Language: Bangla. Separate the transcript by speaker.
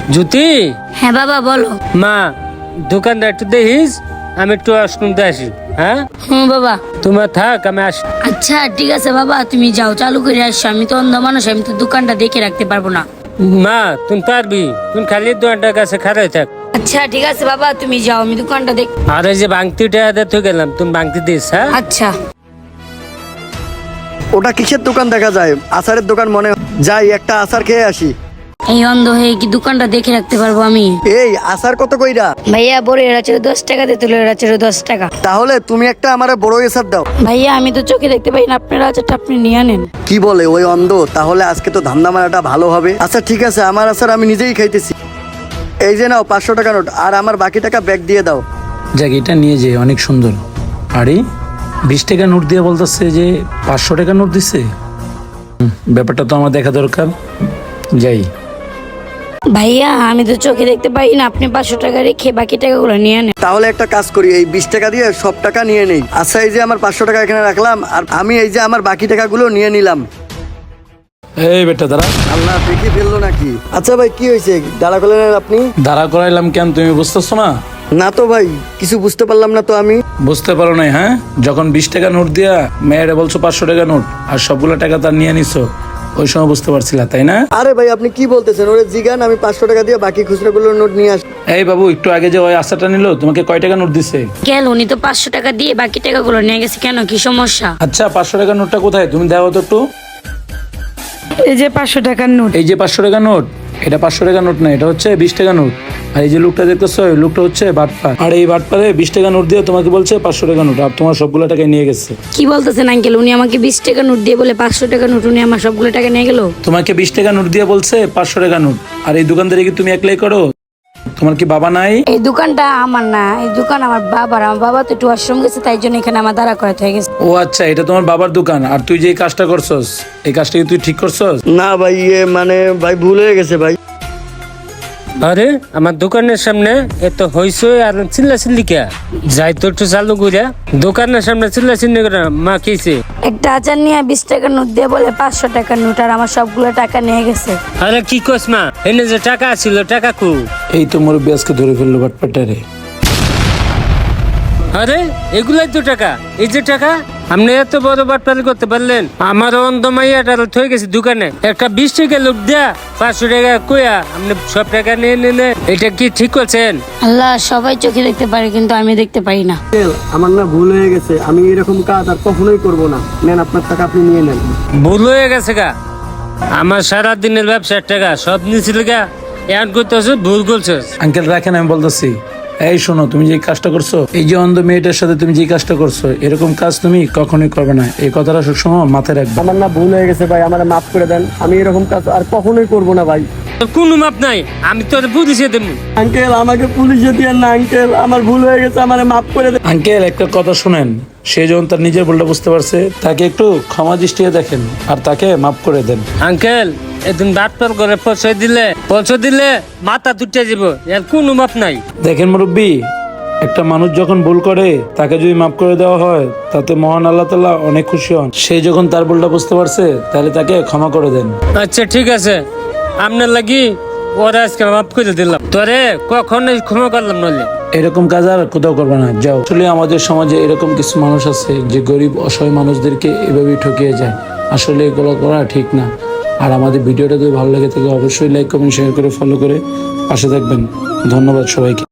Speaker 1: জ্যোতি।
Speaker 2: হ্যাঁ বাবা বলো।
Speaker 1: মা, দোকানটা একটু দেখিস, আমি একটু শুনতে আসি। হ্যাঁ
Speaker 2: বাবা।
Speaker 1: তোমার থাক, আমি আসি।
Speaker 2: আচ্ছা ঠিক আছে বাবা, তুমি যাও চালু করে আসছো। আমি তো অন্ধ মানুষ, আমি তো দোকানটা দেখে রাখতে পারবো না।
Speaker 1: মা তুমি পারবি, তুমি খালি দোকানটার কাছে খাড়াই থাক।
Speaker 2: আচ্ছা ঠিক আছে বাবা, তুমি যাও, আমি দোকানটা দেখ।
Speaker 1: আর এই যে বাংতিটা দেখতে গেলাম, তুমি বাংতি দিস। হ্যাঁ
Speaker 2: আচ্ছা।
Speaker 3: ওটা কিসের দোকান দেখা যায়? আচারের দোকান মনে হয়। যাই একটা আচার খেয়ে আসি।
Speaker 2: এই অন্ধ হয়ে কি দোকানটা দেখে রাখতে পারবো আমি?
Speaker 3: এই আচার কত কইরা?
Speaker 2: ভাইয়া বড় এরা ছিল 10 টাকা, তেতুলের এরা ছিল 10 টাকা।
Speaker 3: তাহলে তুমি একটা আমার বড় আচার দাও।
Speaker 2: ভাইয়া আমি তো চোখে দেখতে পাই না, আপনার আচারটা আপনি নিয়ে আনেন।
Speaker 3: কি বলে ওই অন্ধ? তাহলে আজকে তো ধান্দা মারাটা ভালো হবে। আচ্ছা ঠিক আছে, আমার আচার আমি নিজেই খাইতেছি। এই যে নাও 500 টাকা নোট, আর আমার বাকি টাকা ব্যাগ দিয়ে দাও।
Speaker 4: যাক, এটা নিয়ে যে অনেক সুন্দর। আরে 20 টাকা নোট দিয়ে বলতেছে যে 500 টাকা নোট দিছে। ব্যাপারটা তো আমার দেখা দরকার। যাই।
Speaker 2: ভাইয়া আমি তো চোখে দেখতে পাই না, আপনি 500 টাকা রেখে বাকি টাকাগুলো নিয়ে আনেন।
Speaker 3: তাহলে একটা কাজ করি, এই 20 টাকা দিয়ে সব টাকা নিয়ে নেই। আচ্ছা এই যে আমার 500 টাকা এখানে রাখলাম, আর আমি এই যে আমার বাকি টাকাগুলো নিয়ে নিলাম।
Speaker 4: এই বেটা দাঁড়া।
Speaker 3: আল্লাহ, দেখি ফেললো নাকি? আচ্ছা ভাই কি হয়েছে, দাঁড়া করলেন আপনি?
Speaker 4: দাঁড়া করাইলাম কেন, তুমি বুঝতেছো না?
Speaker 3: না তো ভাই, কিছু বুঝতে পারলাম না তো আমি।
Speaker 4: বুঝতে পারো নাই? হ্যাঁ, যখন 20 টাকা নোট দিয়া মেয়েরে বলছো 500 টাকা নোট, আর সবগুলো টাকা তার নিয়ে নিছো, ওই সময় বুঝতে পারছিলা তাই না?
Speaker 3: আরে ভাই আপনি কি বলতেছেন? ওরে জিগান, আমি 500 টাকা দিয়ে বাকি খুচরাগুলোর নোট নিয়ে আসি।
Speaker 4: এই বাবু, একটু আগে যে ওই আশাটা নিল, তোমাকে কয় টাকা নোট দিছে?
Speaker 2: গেল, উনি তো 500 টাকা দিয়ে বাকি টাকাগুলো নিয়ে গেছে। কেন, কি সমস্যা?
Speaker 4: আচ্ছা, 500 টাকার নোটটা কোথায়, তুমি দাও তো একটু।
Speaker 5: এই যে 500 টাকার নোট।
Speaker 4: এই যে 500 টাকা নোট, এটা 500 টাকা নোট না, এটা হচ্ছে 20 টাকা নোট। আর এই যে লোকটা দেখতেছো, এই লোকটা হচ্ছে বাটপার। আর এই বাটপারে 20 টাকা নোট দিয়ে তোমাকে বলছে 500 টাকা নোট, আর তোমার সবগুলো টাকা নিয়ে গেছে।
Speaker 2: কি বলতেছেন আঙ্কেল? উনি আমাকে 20 টাকা নোট দিয়ে বলে 500 টাকা নোট, উনি আমার সবগুলো টাকা নিয়ে গেল।
Speaker 4: তোমাকে 20 টাকা নোট দিয়ে বলছে 500 টাকা নোট, আর এই দোকানদারি কি তুমি একলাই করো? তোমার কি বাবা নাই?
Speaker 2: এই দোকানটা আমার না, এই দোকান আমার বাবার। আমার বাবা তো একটু আশ্রম গেছে, তাই জন্য এখানে আমার দাঁড়া করাতে হয়ে গেছে।
Speaker 4: ও আচ্ছা, এটা তোমার বাবার দোকান। আর তুই যে এই কাজটা করছস, এই কাজটা কি তুই ঠিক করছস?
Speaker 3: না ভাই, মানে ভাই ভুল হয়ে গেছে ভাই।
Speaker 1: আরে আমার দোকানের সামনে এত হইসই আর চিল্লা চিল্লি কে? যাই তো একটু চালু করে। দোকানের সামনে চিল্লা চিল্লি করে মা কেছে।
Speaker 2: একটা আচার নিয়ে 20 টাকার নোট দিয়ে বলে 500 টাকার নোট, আর আমার সবগুলো টাকা নিয়ে গেছে।
Speaker 1: আরে কি কস মা, এনে যে টাকা ছিল টাকা কু?
Speaker 4: এই তো মুরব্বী আজকে ধরে ফেললো বাটপাটারে।
Speaker 1: আরে এগুলাই তো টাকা, এই যে টাকা। আপনি এত বড় বাটপারি করতে পারলেন? আমার অন্ধ মাইয়াটা থয়ে গেছে দোকানে, একটা 20 টাকা লোক দেয়া 500 টাকা কইয়া আপনি সব টাকা নিয়ে নিলে, এটা কি ঠিক করছেন?
Speaker 2: আল্লাহ, সবাই চোখে দেখতে পারে কিন্তু আমি দেখতে পাই না।
Speaker 3: আমার না ভুল হয়ে গেছে, আমি এরকম কাজ আর কখনোই করব না। নেন আপনার টাকা, আপনি নিয়ে নেন।
Speaker 1: ভুল হয়ে গেছে গা? আমার সারা দিনের ব্যবসার টাকা সব নিয়েছিল গা, এমন করতেছ, ভুল করছিস।
Speaker 4: আঙ্কেল রাখেন, আমি বলতেছি। এই শোনো, তুমি যে কাজটা করছো, এই যে অন্ধ মেয়েটার সাথে তুমি যে কাজটা করছো, এরকম কাজ তুমি কখনোই করবে না। এই কথাটা সবসময় মাথায় রাখবে।
Speaker 3: আমার না ভুল হয়ে গেছে ভাই, আমার মাফ করে দেন। আমি এরকম কাজ আর কখনোই করব না ভাই।
Speaker 1: তোর কোনো মাপ নাই, আমি তোর পুলিশে দেবো।
Speaker 3: আঙ্কেল আমাকে পুলিশে দিয়েন না আঙ্কেল, আমার ভুল হয়ে গেছে, আমার মাফ করে দেন।
Speaker 4: আঙ্কেল একটা কথা শুনেন, সে যখন তার নিজের ভুলটা বুঝতে পারছে, তাকে একটু ক্ষমা দৃষ্টিতে দেখেন আর তাকে মাফ করে দেন।
Speaker 1: আঙ্কেল এদিন ডাক্তার করে পৌঁছে দিলে মাথা তুটে যাব, এর কোনো মাপ নাই।
Speaker 4: দেখেন মুরব্বী, একটা মানুষ যখন ভুল করে, তাকে যদি মাফ করে দেওয়া হয়, তাতে মহান আল্লাহ তাআলা অনেক খুশি হন। সে যখন তার ভুলটা বুঝতে পারছে, তাহলে তাকে ক্ষমা করে দেন।
Speaker 1: আচ্ছা ঠিক আছে, আপনার লাগি ওরা আজকে মাফ করে দিলাম, তোরে কখনোই ক্ষমা করলাম নইলে।
Speaker 4: এরকম কাজ আর কোথাও করবে না, যাও। আসলে আমাদের সমাজে এরকম কিছু মানুষ আছে যে গরিব অসহায় মানুষদেরকে এভাবেই ঠকিয়ে যায়। আসলে এগুলো করা ঠিক না। আর আমাদের ভিডিওটা যদি ভালো লেগে থাকে, অবশ্যই লাইক কমেন্ট শেয়ার করে ফলো করে পাশে থাকবেন। ধন্যবাদ সবাইকে।